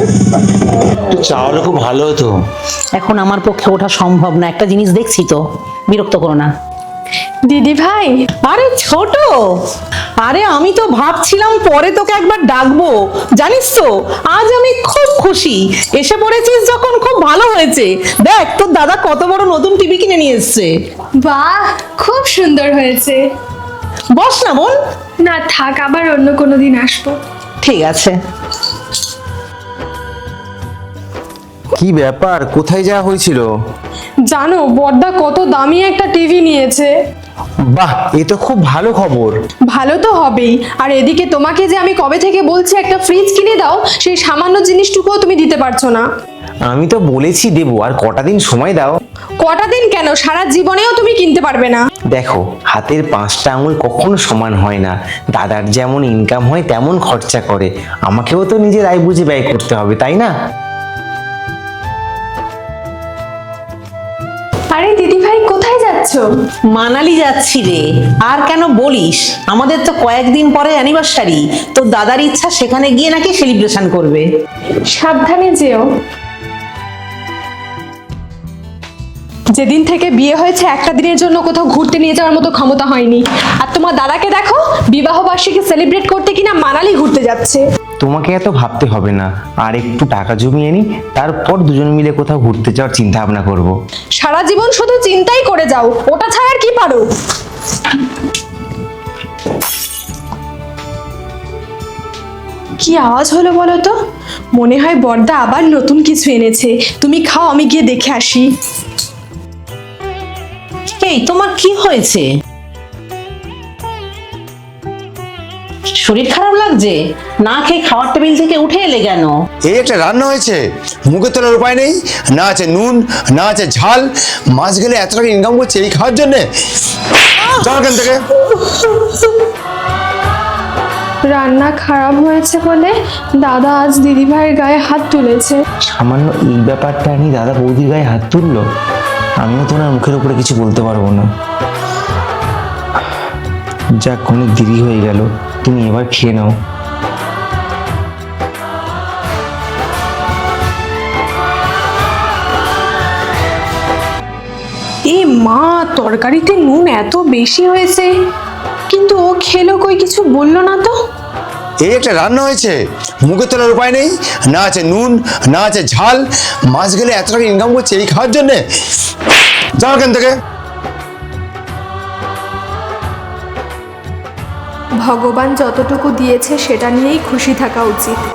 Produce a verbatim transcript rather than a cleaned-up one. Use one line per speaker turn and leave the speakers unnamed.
একটু চা হলে খুব ভালো হতো।
এখন আমার পক্ষে ওঠা সম্ভব না, একটা জিনিস দেখছি তো, বিরক্ত করো না।
দিদি ভাই,
আরে ছোট, আরে আমি তো ভাবছিলাম পরে তোকে একবার ডাকবো, জানিস তো আজ আমি খুব খুশি, এসে পড়েছিস যখন খুব ভালো হয়েছে। দেখ তোর দাদা কত বড় নতুন টিভি কিনে নিয়ে এসছে।
বাহ, খুব সুন্দর হয়েছে।
বস না বোন।
না থাক, আবার অন্য কোনো দিন আসবো।
ঠিক আছে।
কি ব্যাপার, কোথায় যাওয়া হয়েছিল?
জানো বড়দা কত দামি একটা টিভি নিয়েছে।
বাহ, এ তো খুব ভালো খবর।
ভালো তো হবেই, আর এদিকে তোমাকে যে আমি কবে থেকে বলছি একটা ফ্রিজ কিনে দাও, সেই সামান্য জিনিসটুকুও তুমি দিতে পারছো না।
আমি তো বলেছি দেবো, আর কটা দিন সময় দাও।
কটা দিন কেন, সারা জীবনেও তুমি কিনতে পারবে না।
দেখো, হাতের পাঁচটা আঙুল কখনো সমান হয় না। দাদার যেমন ইনকাম হয় তেমন খরচা করে, আমাকেও তো নিজের আয় বুঝে ব্যয় করতে হবে, তাই না?
আরে দিদি ভাই, কোথায় যাচ্ছো?
মানালি যাচ্ছি রে। আর কেন বলিস, আমাদের তো কয়েকদিন পরে অ্যানিভার্সারি, তোর দাদার ইচ্ছা সেখানে গিয়ে নাকি সেলিব্রেশন করবে।
সাবধানে যেও। যেদিন থেকে বিয়ে হয়েছে একটা দিনের জন্য কোথাও ঘুরতে নিয়ে যাওয়ার মতো ক্ষমতা হয়নি। আর তোমার দাদাকে দেখো, বিবাহ বার্ষিকী সেলিব্রেট করতে কিনা মানালি ঘুরতে যাচ্ছে।
তোমাকে এত ভাবতে হবে না, আর একটু টাকা জমিয়ে নি, তারপর দুজন মিলে কোথাও ঘুরতে যাওয়ার চিন্তা ভাবনা করবো।
সারা জীবন শুধু চিন্তাই করে যাও, ওটা ছাড়া আর কি পারো? কি আওয়াজ হলো বলো তো? মনে হয় বড়দা আবার নতুন কিছু এনেছে। তুমি খাও, আমি গিয়ে দেখে আসি।
এই তোমার কি হয়েছে? শরীর খারাপ লাগছে? না খেয়ে খাওয়ার টেবিল থেকে উঠে এলে কেন?
এই একটা রান্না হয়েছে, মুখে তোলার উপায় নেই, না আছে নুন, না আছে ঝাল। মাস গেলে এত টাকা ইনকাম করছে এই খাওয়ার জন্যে। যাও এখান থেকে।
রান্না খারাপ হয়েছে বলে দাদা আজ দিদি ভাইয়ের গায়ে হাত তুলেছে।
সামান্য এই ব্যাপারটা নিয়ে দাদা বৌদির গায়ে হাত তুললো। আমিও তো ওনার মুখের উপরে কিছু বলতে পারবো না। যাক, অনেক দেরি হয়ে গেল, তুমি এবার খেয়ে নাও।
এ মা, তরকারিতে নুন এত বেশি হয়েছে, কিন্তু ও খেলো কই, কিছু বললো না তো।
এই একটা রান্না হয়েছে, মুখে তোলার উপায় নেই, না আছে নুন, না আছে ঝাল। মাস গেলে এত টাকা ইনকাম করছে এই খাওয়ার জন্যে। যাও এখান থেকে।
ভগবান যতটুকু দিয়েছে সেটা নিয়েই খুশি থাকা উচিত।